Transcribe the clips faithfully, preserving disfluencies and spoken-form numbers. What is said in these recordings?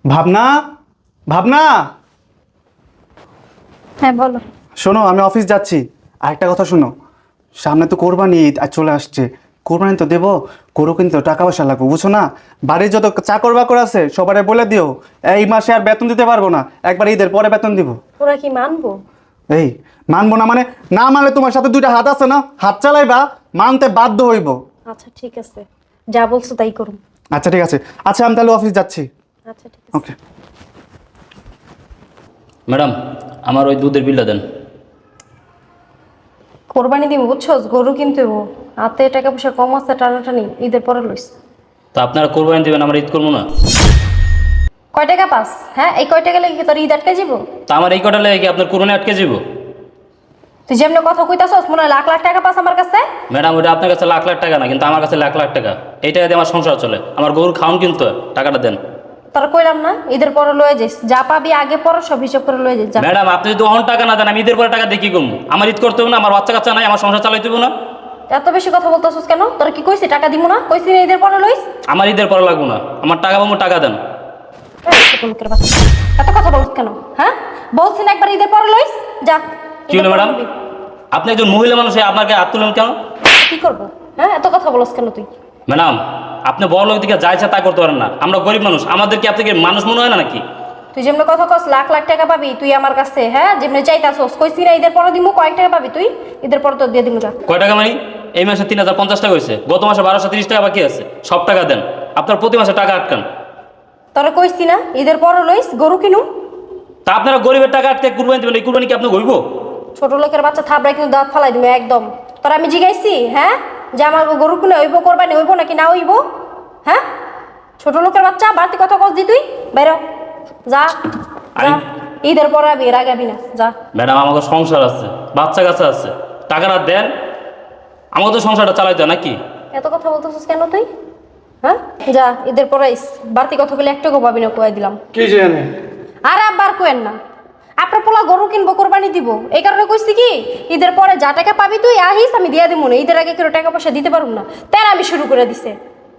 ভাবনা, ভাবনা, হ্যাঁ বলো। শোনো আমি অফিস যাচ্ছি। আরেকটা কথা শোনো, সামনে তো কোরবানি ঈদ আর চলে আসছে। কোরবানি তো দেবো, গরু কিন্তু টাকা পয়সা লাগবে, বুঝছো না? বাড়ির যত চাকর বাকর আছে সবারে বলে দিও এই মাসে আর বেতন দিতে পারবো না, একবার ঈদের পরে বেতন দিব। ওরা কি মানবো? এই মানবো না মানে? না মানলে তোমার সাথে দুইটা হাত আছে না, হাত চালাইবা, মানতে বাধ্য হইব। আচ্ছা ঠিক আছে, যা বলছো তাই করুন। আচ্ছা ঠিক আছে, আচ্ছা আমি তাহলে অফিস যাচ্ছি। আচ্ছা ঠিক আছে। ওকে। ম্যাডাম, আমার ওই দুধের বিলটা দেন। কোরবানি দিব বুঝছো, গরু কিনতে হবো, হাতে টাকা পয়সা কম আছে, টানাটানি ঈদের পরে লইস। তা আপনারা কোরবানি দেবেন, আমরা ঈদ করবো না? কয় টাকা পাস? হ্যাঁ, এই কয় টাকা লেগে তোর ঈদ আটকে যাবো? তা আমার এই কটা লেগে কি আপনার কোরবানি আটকে যাব? তুই যেমনি কথা কইতাছস মনে হয় লাখ লাখ টাকা পাস আমার কাছে। ম্যাডাম, ওটা আপনার কাছে লাখ লাখ টাকা না, কিন্তু আমার কাছে লাখ লাখ টাকা। এই টাকা দিয়ে আমার সংসার চলে, আমার গরুর খাওন কিন্তু হয়। টাকাটা দেন। তোর কইলাম না ঈদের পরে লয়ে যাইস, যা পাবি আগে পরে সব হিসাব করে লয়ে যাইস যা। ম্যাডাম, আপনি যদি অহন টাকা না দেন, আমি ঈদের পরে টাকা দিয়ে কি করবো? আমার ঈদ করতে হবে না? আমার বাচ্চা কাচ্চা নাই, আমার সংসার চালাইতে হবে না? এত বেশি কথা বলতেছস কেন? তোর কি কইছি টাকা দিব না? কইছি না ঈদের পরে লইস? আমার ঈদের পরে লাগবো না, আমার টাকা পাবো, টাকা দেন। এই ছোট লোকের বাচ্চা, এত কথা বলছ কেন? হ্যাঁ, বলছি না একবার ঈদের পরে লইস যা। কি হলো ম্যাডাম? আপনি একজন মহিলা মানুষ, আপনাকে হাত তুলেন কেন? কি করবো? হ্যাঁ, এত কথা বলছ কেন তুই? ম্যাডাম, আপনি বড় লোক দিকে যা ইচ্ছা তা করতে পারেন না, আমরা গরিব মানুষ, আমাদের কি আপনাকে মানুষ মনে হয় না নাকি? তুই যেমন কথা কস লাখ লাখ টাকা পাবি তুই আমার কাছে, হ্যাঁ যেমনি চাইতাছস, কইছি না ঈদের পরে দিমু, কয়েক টাকা পাবি তুই? ঈদের পরে তো দিয়ে দিমু যা। কয় টাকা মানে? এই মাসে তিন হাজার পঞ্চাশ টাকা হয়েছে, গত মাসে বারোশো তিরিশ টাকা বাকি আছে, সব টাকা দেন। আপনার প্রতি মাসে টাকা আটকান। তোরা কইছি না ঈদের পরে লইস গরু কিনু। তা আপনারা গরিবের টাকা আটকে কুরবানি দেবেন, এই কুরবানি কি আপনি হইব? ছোট লোকের বাচ্চা থাবড়াই কিন্তু দাঁত ফালাই দিবে একদম। তোরা আমি জিগাইছি হ্যাঁ যে আমার গরু কিনে হইব, কোরবানি হইব নাকি না হইব? হ্যাঁ, ছোট লোকের বাচ্চা বাড়তি কথা কস দি তুই, বাইর হ। যা যা, আমি- ঈদের পরে আবি, এর আগে আবি না, যা। ম্যাডাম, আমাকে সংসার আছে, বাচ্চা কাচ্চা আছে, টাকাটা দেন, আমাকে তো সংসারটা চালাইতে হয় নাকি? এত কথা বলতেছিস কেন তুই? হ্যাঁ, যা ঈদের পরে আইস, বাড়তি কথা বলে একটু পাবি না, কয়ে দিলাম। কি জানে? আর আবার কোয়েন না, আপনার পোলা গরু কিনবো, কোরবানি দিব, এই কারণে কইছি কি ঈদের পরে যা টাকা পাবি তুই আহিস, আমি দিয়ে দিব না। ঈদের আগে কেউ টাকা পয়সা দিতে পারুম না, তাই আমি শুরু করে দিছে।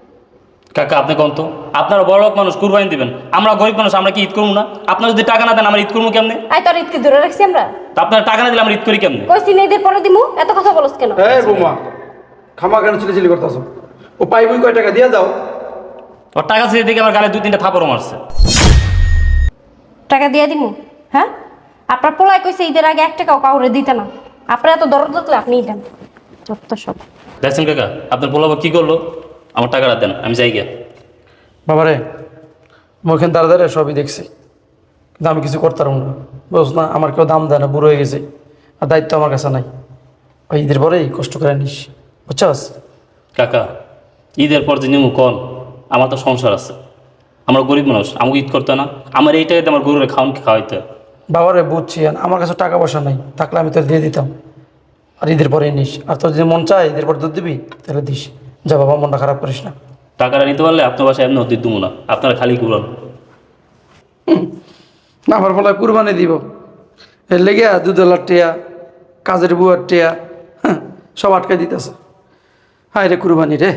কাকা, আপনি কোন তো, আপনারা বড় লোক মানুষ, কুরবানি দিবেন, আমরা গরিব মানুষ, আমরা কি ঈদ করবো না? আপনারা যদি টাকা না দেন, আমরা ঈদ করবো কেমনে? আই তোর ঈদকে ধরে রাখছি আমরা? তা আপনারা টাকা না দিলে আমরা ঈদ করি কেমনে? কইছি না ঈদের পরে দিমু, এত কথা বলস কেন? এই বৌমা, খামা কেন চিলি করতেছ? ও পাইবই কয় টাকা দিয়ে দাও। ওর টাকা ছেড়ে দিকে আমার গালে দুই তিনটা থাপড়ও মারছে। টাকা দিয়ে দিমু? হ্যাঁ, আপনার পোলায় কইছে ঈদের আগে এক টাকাও কাউরে দিতে না, আপনার এত দরদ থাকলে আপনি দেন যত সব। দেখছেন কাকা, আপনার পোলাবা কি করলো? আমার টাকাটা দেন, আমি যাই গিয়া। বাবারে, মুখেন দাঁড়া দাঁড়িয়ে সবই দেখছি, কিন্তু আমি কিছু করতে পারবো না, বুঝ না? আমার কেউ দাম দেয় না, বুড়ো হয়ে গেছে, আর দায়িত্ব আমার কাছে নাই। ওই ঈদের পরেই কষ্ট করে নিস, বুঝছস? কাকা, ঈদের পর যে নিমু কন, আমার তো সংসার আছে, আমরা গরিব মানুষ, আমাকে ঈদ করতে না, আমার এই টাকাতে আমার গরুরে খাওয়ান খাওয়াইতে হয়। বাবারে বুঝছি, আর আমার কাছে টাকা পয়সা নাই, থাকলে আমি তোর দিয়ে দিতাম। আর ঈদের পরেই নিস, আর তোর যদি মন চায় ঈদের পর দুধ দিবি তাহলে দিস। যা বাবা, মনটা খারাপ করিস না। টাকাটা নিতে পারলে আপনার বাসায় এমনি অতীত দেবো না, আপনারা খালি ঘুরান। না, আমার বলা কুরবানি দিব, এর লেগে দুধওয়ালার টিয়া, কাজের বুয়ার টিয়া, হ্যাঁ, সব আটকে দিতেছে। হায় রে কুরবানি রে,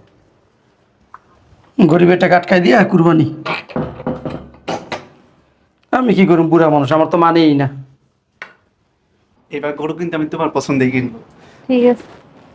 গরিবের টাকা আটকাই দিয়া কুরবানি। আমি কি করুম, বুড়া মানুষ, আমার তো মানেই না। এবার গরু কিন্তু আমি তোমার পছন্দেই কিনবো। ঠিক আছে।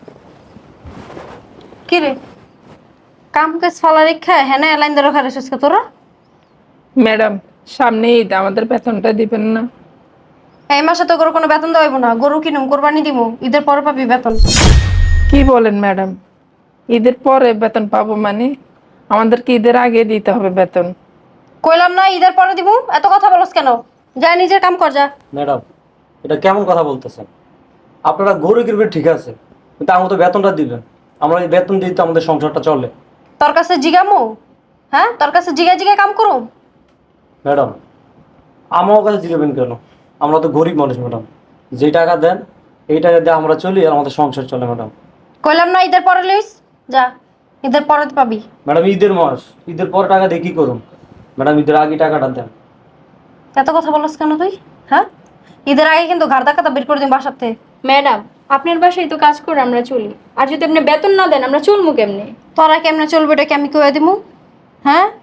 কি রে, কাম কাজ ফলা রেখা হ্যাঁ না লাইন ধরে খারে সুস্কা তোরা? ম্যাডাম, সামনে ঈদ, আমাদের বেতনটা দিবেন না? এই মাসে তো গরু কোনো বেতন দেওয়াইব না, গরু কিনুম, কোরবানি দিমু, ঈদের পরে পাবি বেতন। কি বলেন ম্যাডাম? ঈদের পরে বেতন পাবো মানে? আমাদের কি ঈদের আগে দিতে হবে বেতন? কইলাম না ঈদের পরে দিমু, এত কথা বলস কেন? যা নিজের কাম কর যা। ম্যাডাম, এটা কেমন কথা বলতেছেন? আপনারা গরু কিনবেন ঠিক আছে, কিন্তু আমাদের বেতনটা দিবেন। আমরা এই বেতন দিই তো আমাদের সংসারটা চলে। তোর কাছে জিগামু? হ্যাঁ, তোর কাছে জিগা জিগা কাম করুম? ম্যাডাম, আমার কাছে জিগাবেন কেন? আমরা তো গরিব মানুষ ম্যাডাম, যে টাকা দেন এই টাকা দিয়ে আমরা চলি, আর আমাদের সংসার চলে ম্যাডাম। কইলাম না ঈদের পরে লইস, যা ঈদের পরে পাবি। ম্যাডাম, ঈদের মাস, ঈদের পর টাকা দিয়ে কী করুন? ম্যাডাম, ঈদের আগে টাকাটা দেন। এত কথা বলস কেন তুই? হ্যাঁ, ঈদের আগে কিন্তু ঘাড় ধাক্কাটা বের করে দিম বাসার থেকে। ম্যাডাম, আপনার বাসায় তো কাজ করে আমরা চলি, আর যদি আপনি বেতন না দেন আমরা চলবো কেমনে? তোরা কেমনে চলবে এটা কি আমি কয়ে দিমু? হ্যাঁ,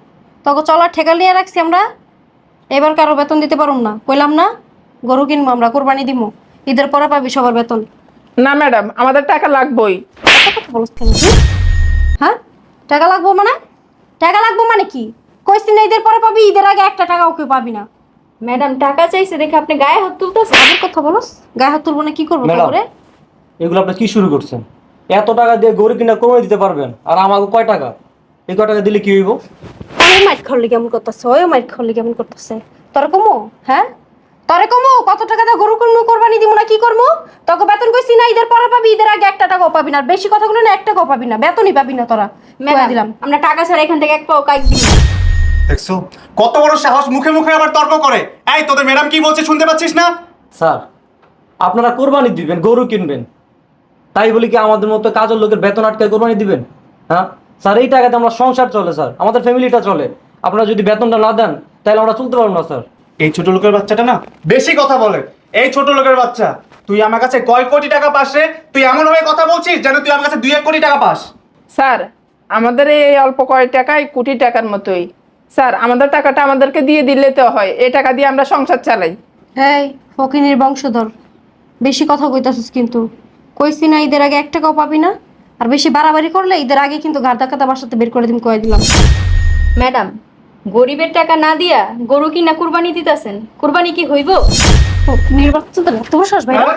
তোকে চলার ঠেকা নিয়ে রাখছি আমরা, এবার কারো বেতন দিতে পারুম না, কইলাম না গরু কিনবো আমরা, কোরবানি দিব, ঈদের পরে পাবি সবার বেতন। না ম্যাডাম, আমাদের টাকা লাগবেই। এত কথা বলছ কেন তুই? হ্যাঁ, টাকা লাগবো মানে? টাকা লাগবো মানে কি? কইছি না ঈদের পরে পাবি, ঈদের আগে একটা টাকাও কেউ পাবি না। ম্যাডাম টাকা চাইছে দেখে আপনি গায়ে হাত তুলতেছেন। আবার কথা বলস, গায়ে হাত তুলবো না, কি করবো ম্যাডাম, তারপরে? এগুলো আপনি কি শুরু করছেন? এত টাকা দিয়ে গরু কিনা কোরবানি দিতে পারবেন, আর আমাকে কয় টাকা? এই কয় টাকা দিলে কি হইব? ওই মাইট খাওয়ার কেমন করতেছে, ওই মাইট খাওয়ার কেমন করতেছে। তোরে কমো, হ্যাঁ তোরে কমো, কত টাকা দিয়ে গরু কিনবো, কোরবানি দিব না, কি করবো? তোকে বেতন কইছি না ঈদের পরে পাবি, ঈদের আগে একটা টাকাও পাবি না, আর বেশি কথাগুলো না, এক টাকাও পাবি না, বেতনই পাবি না তোরা। ম্যাডাম কইয়া দিলাম। আমরা টাকা ছাড়া এখান থেকে এক পাও কাজ দিব না। দেখছো কত বড় সাহস, মুখে মুখে আবার তর্ক করে। এই তোদের ম্যাডাম কি বলছে শুনতে পাচ্ছিস না? স্যার, আপনারা কোরবানি দিবেন, গরু কিনবেন, তাই বলি কি আমাদের মতো কাজের লোকের বেতন আটকায় কোরবানি দিবেন? হ্যাঁ স্যার, এই টাকাতে আমরা সংসার চলে স্যার, আমাদের ফ্যামিলিটা চলে। আপনারা যদি বেতনটা না দেন তাহলে আমরা চলতে পারবো না স্যার। এই ছোট লোকের বাচ্চাটা না বেশি কথা বলে। এই ছোট লোকের বাচ্চা, তুই আমার কাছে কয় কোটি টাকা পাস রে? তুই এমন ভাবে কথা বলছিস যেন তুই আমার কাছে দুই এক কোটি টাকা পাস। স্যার, আমাদের এই অল্প কয় টাকায় কোটি টাকার মতোই। স্যার, আমাদের টাকাটা আমাদেরকে দিয়ে দিলে তো হয়, এই টাকা দিয়ে আমরা সংসার চালাই। এই ফকিনীর বংশধর, বেশি কথা কইতাছিস কিন্তু। কইছি না ঈদের আগে এক টাকাও পাবি না, আর বেশি বাড়াবাড়ি করলে ঈদের আগে কিন্তু গাড় ধাক্কাতে বাসাতে বের করে দিম, কয়ে দিলাম। ম্যাডাম, গরিবের টাকা না দিয়া গরু কিনা কুরবানি দিতেছেন, কুরবানি কি হইব? ফকিনীর বাচ্চাদের এত বড় সাহস ভাই।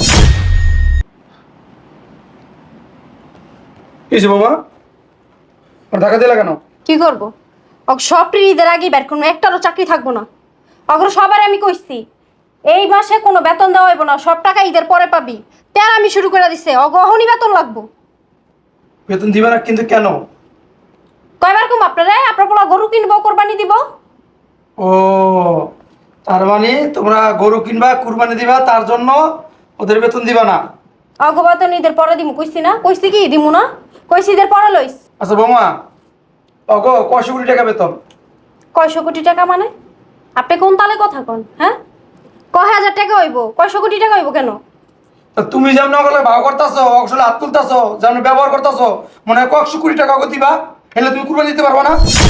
কিছু বাবা, আর টাকা দিলা কেন? কি করব? অগ সবটি ঈদের আগে বের করবো, একটারও চাকরি থাকবো না। অগ্র সবার আমি কইছি এই মাসে কোনো বেতন দেওয়া হইব না, সব টাকা ঈদের পরে পাবি। তার আমি শুরু করে দিছে, অগহনি বেতন লাগবো। বেতন দিবে না কিন্তু কেন? কয়বার কম আপনারা, আপনার পোলা গরু কিনবো, কোরবানি দিব। ও, তার মানে তোমরা গরু কিনবা, কুরবানি দিবা, তার জন্য ওদের বেতন দিবা না? অগ বেতন ঈদের পরে দিমু, কইছি না? কইছি কি দিমু না? কইছি ঈদের পরে লইস। আচ্ছা বৌমা, অগো কয়শো কোটি টাকা বেতন? কয়শো কোটি টাকা মানে? আপনি কোন তালে কথা কন? হ্যাঁ, কয় হাজার টাকা হইব, কয়শো কোটি টাকা হইব কেন? তা তুমি যেমন ওগুলো ভাও করতেছো, অকশলে হাত তুলতেছো, যেমন ব্যবহার করতেছো, মনে হয় কয়শো কোটি টাকা ওকে দিবা, হেলে তুমি কুরবানি দিতে পারবো না?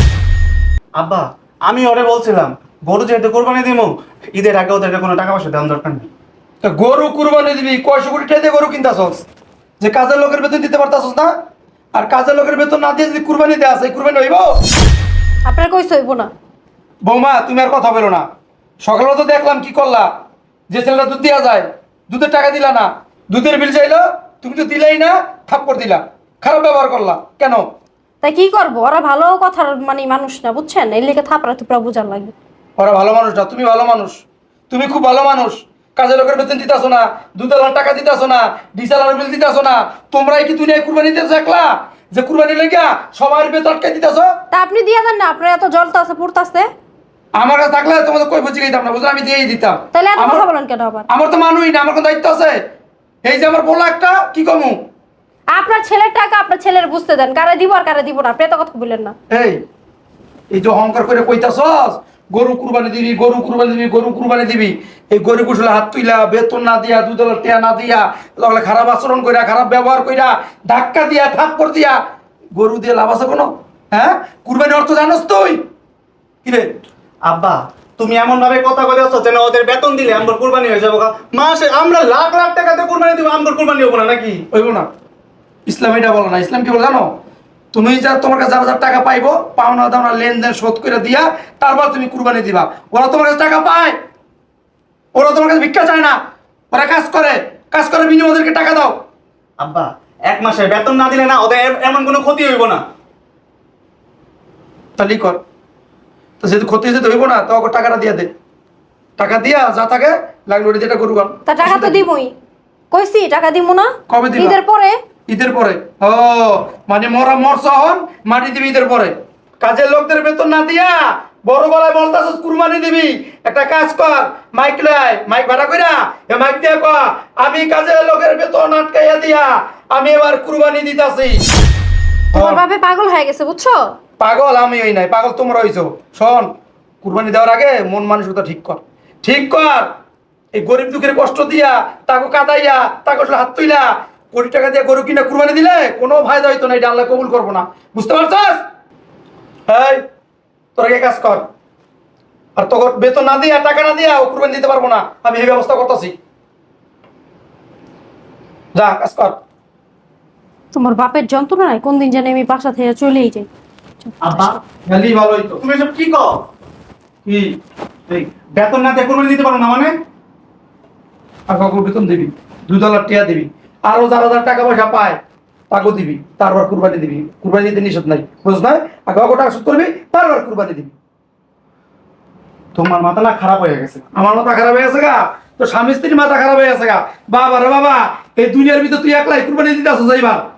আব্বা, আমি ওরে বলছিলাম গরু যেহেতু কোরবানি দিব, ঈদের আগে ওদেরকে কোনো টাকা পয়সা দেওয়ার দরকার নেই। তা গরু কুরবানি দিবি, কয়শো কোটি টাকা দিয়ে গরু কিনতেছস, যে কাজের লোকের বেতন দিতে পারতাছস না? আর কাজের লোকের বেতন না দিয়ে যদি কুরবানি দেওয়া আছে, কুরবানি হইব? আপনার কইছে হইব না? বৌমা, তুমি আর কথা বলো না। সকালে তো দেখলাম কি করলা, যে ছেলেটা দুধ দেওয়া যায়, দুধের টাকা দিলা না, দুধের বিল চাইলো, তুমি তো দিলাই না, থাপ্পড় দিলা, খারাপ ব্যবহার করলা কেন? তাই কি করবো, ওরা ভালো কথার মানে মানুষ না, বুঝছেন? এই লেগে থাপড়া থুপড়া বুঝার লাগে। ওরা ভালো মানুষ না, তুমি ভালো মানুষ, তুমি খুব ভালো মানুষ। কাজের লোকের বেতন দিতেছো না, দুধের টাকা দিতেছো না, ডিজেলের বিল দিতেছো না, তোমরাই কি দুনিয়ায় কুরবানি দিতে দেখলা যে কুরবানি লেগা সবার বেতন আটকে দিতেছো? তা আপনি দিয়ে দেন না, আপনার এত জলটা আছে পড়তাছে। আমার কাছে থাকলে তোমাদের কই বুঝে দিতাম না, বুঝলে আমি দিয়েই দিতাম। তাহলে এত আমার- কথা বলেন কেন আবার? আমার তো মানুষই না, আমার কোনো দায়িত্ব আছে? এই যে আমার বললো একটা, কি কমু? আপনার ছেলের টাকা আপনার ছেলের বুঝতে দেন, কারে দিব আর কারে দিব না, আপনি এত কথা বললেন না। এই এই যে অহংকার করে কইতাছস গরু কুরবানি দিবি, গরু কুরবানি দিবি, গরু কুরবানি দিবি, এই গরু কুশলে হাত তুইলা, বেতন না দিয়া, দুধের টেয়া না দিয়া, তাহলে খারাপ আচরণ কইরা, খারাপ ব্যবহার কইরা, ধাক্কা দিয়া, থাপ্পড় দিয়া, গরু দিয়ে লাভ আছে কোনো? হ্যাঁ, কুরবানি অর্থ জানোস তুই? কিরে আব্বা, তুমি এমন ভাবে কথা বলেছো যেন ওদের বেতন দিলে আমরা কোরবানি হয়ে যাবো। মাসে আমরা লাখ লাখ টাকাতে কোরবানি দিব, আমরা কোরবানি হবো না নাকি? হইব না। ইসলাম এটা বলো না। ইসলাম কি বলে জানো? তুমি যা তোমার কাছে যারা যারা টাকা পাইবো, পাওনা দাওনা লেনদেন শোধ করে দিয়া তারপর তুমি কুরবানি দিবা। ওরা তোমার কাছে টাকা পায়, ওরা তোমার কাছে ভিক্ষা চায় না, ওরা কাজ করে, কাজ করে বিনিময়ে ওদেরকে টাকা দাও। আব্বা, এক মাসে বেতন না দিলে না ওদের এ- এমন কোনো ক্ষতি হইব না। তাহলেই কর। তো যেহেতু ক্ষতি যেতে হইব না, তো ওকে টাকাটা দিয়া দে, টাকা দিয়া যা থাকে লাগলো ওটা যেটা করুন। তা টাকা তো দিবই, কইছি টাকা দিব না। কবে দিবা? ঈদের পরে। ঈদের পরে? ও মানে মরা মর সহন মাটি দিবি ঈদের পরে। কাজের লোকদের বেতন না দিয়া বড় গলায় বলতাছস কুরবানি দিবি। একটা কাজ কর, মাইক লয়, মাইক ভাড়া কইরা এ মাইক দিয়ে কয়া, আমি কাজের লোকের বেতন আটকাইয়া দিয়া আমি এবার কুরবানি দিতাছি। তোমার ভাবে পাগল হয়ে গেছে, বুঝছো? পাগল আমি হই নাই, পাগল তোমরা হইছো। শোন, কুরবানি দেওয়ার আগে মন মানসিকতা ঠিক কর, ঠিক কর। এই গরিব দুঃখের কষ্ট দিয়া, তাকে কাদাইয়া, তাকে আসলে হাত তুইলা কোটি টাকা দিয়ে গরু কিনা কুরবানি দিলে কোনো ফায়দা হইতো না, এটা আল্লাহ কবুল করবো না, বুঝতে পারছস? এই তোরা গিয়ে কাজ কর। আর তোকে বেতন না দিয়া টাকা না দিয়া ও কুরবানি দিতে পারবো না, আমি এই ব্যবস্থা করতেছি। যা কাজ কর। তোমার বাপের যন্ত্রণায় কোন দিন জানি আমি বাসা থেকে চলেই যাই। আব্বা গেলি ভালো হইতো। তুমি এসব কি কও? কি এই বেতন না দিয়ে কোরবানি দিতে পারো না মানে? আর কাকুর বেতন দিবি, দুই ডলার টিয়া দিবি, আরো যারা যারা টাকা পয়সা পায় তাকেও দিবি, তারপর কুরবানি দিবি। কুরবানি দিতে নিষেধ নাই, বুঝছ না? আর কাকু টাকা শোধ করবি, তারপর কুরবানি দিবি। তোমার মাথা না খারাপ হয়ে গেছে। আমার মাথা খারাপ হয়ে গেছে গা, তো স্বামী স্ত্রীর মাথা খারাপ হয়ে গেছে গা। বাবা রে বাবা, এই দুনিয়ার ভিতর তুই একলাই কুরবানি দিতে আসো যাইবার।